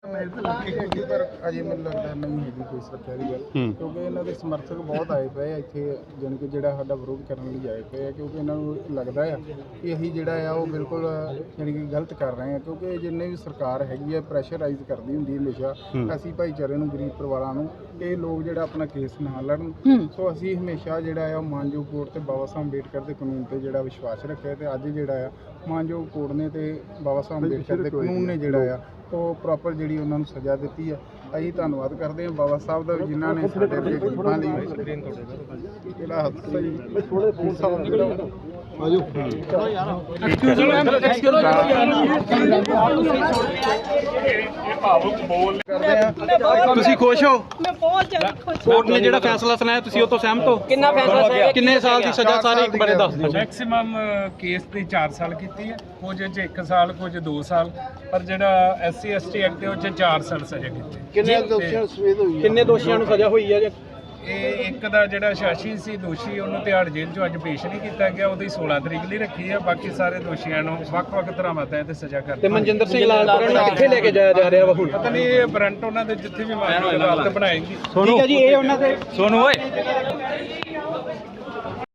पर अजे मैं लगता नहीं है कोई सुरक्षा की गल, क्योंकि इन्हों के समर्थक बहुत आए पे इतने जानी कि जो विरोध करने लिए आए पे, क्योंकि इन्होंने लगता है कि अभी जोड़ा वो बिल्कुल जानी कि गलत कर रहे हैं, क्योंकि जिन्हें भी सरकार हैगी है प्रैशराइज करती होंगी हमेशा असी भाईचारे गरीब परिवारों को ये लोग जो अपना केस ना लड़न। सो असी हमेशा जो मानयोग कोर्ट से बाबा साहब अंबेडकर के कानून पर जो विश्वास रखे, तो अज जो मानयोग कोर्ट ने तो बाबा साहब अंबेडकर के कानून ने जोड़ा वो प्रॉपर जी उन्होंने सज़ा दी है। अभी धन्यवाद करते हैं बाबा साहब का जिन्होंने साढ़े गरीबों ਤੁਸੀਂ ਖੁਸ਼ ਹੋ? ਕੋਰਟ ਨੇ ਜਿਹੜਾ ਫੈਸਲਾ ਸੁਣਾਇਆ ਤੁਸੀਂ ਉਹ ਤੋਂ ਸਹਿਮਤ ਹੋ? ਕਿੰਨਾ ਫੈਸਲਾ ਸੁਣਾਇਆ? ਕਿੰਨੇ ਸਾਲ ਦੀ ਸਜ਼ਾ ਸਾਰੇ ਇੱਕ ਬਾਰੇ ਦੱਸ ਦਿਓ। ਮੈਕਸਿਮਮ ਕੇਸ ਦੀ 4 ਸਾਲ ਕੀਤੀ ਹੈ, ਕੁਝ 'ਚ 1 ਸਾਲ, ਕੁਝ 2 ਸਾਲ, ਪਰ ਜਿਹੜਾ SC ST ਐਕਟ ਉਹ 'ਚ 4 ਸਾਲ ਸਜ਼ਾ ਕੀਤੀ। ਕਿੰਨੇ ਦੋਸ਼ੀਆਂ ਨੂੰ ਸਜ਼ਾ ਹੋਈ ਹੈ? ਇਹ ਇੱਕ ਦਾ ਜਿਹੜਾ ਸ਼ਾਸ਼ੀ ਸੀ ਦੋਸ਼ੀ, ਉਹਨੂੰ ਤਿਹਾੜ ਜੇਲ੍ਹ 'ਚੋਂ ਅੱਜ ਪੇਸ਼ ਨਹੀਂ ਕੀਤਾ ਗਿਆ, ਉਹਦੀ 16 ਤਰੀਕ ਲਈ ਰੱਖੀ ਹੈ। ਬਾਕੀ ਸਾਰੇ ਦੋਸ਼ੀਆਂ ਨੂੰ ਵੱਖ-ਵੱਖ ਧਾਰਾਵਾਂ ਤਹਿਤ ਸਜ਼ਾ ਕਰ ਤੇ ਮਨਜਿੰਦਰ ਸਿੰਘ ਲਾਲਪੁਰਾ ਨੂੰ ਕਿੱਥੇ ਲੈ ਕੇ ਜਾਇਆ ਜਾ ਰਿਹਾ ਵਾ ਹੁਣ? ਪਤਾ ਨਹੀਂ, ਇਹ ਵਾਰੰਟ ਉਹਨਾਂ ਦੇ ਜਿੱਥੇ ਵੀ ਮਾਨਯੋਗ ਅਦਾਲਤ ਬਣਾਏਗੀ। ਠੀਕ ਹੈ ਜੀ, ਇਹ ਉਹਨਾਂ ਦੇ ਸੋਨੂ ਓਏ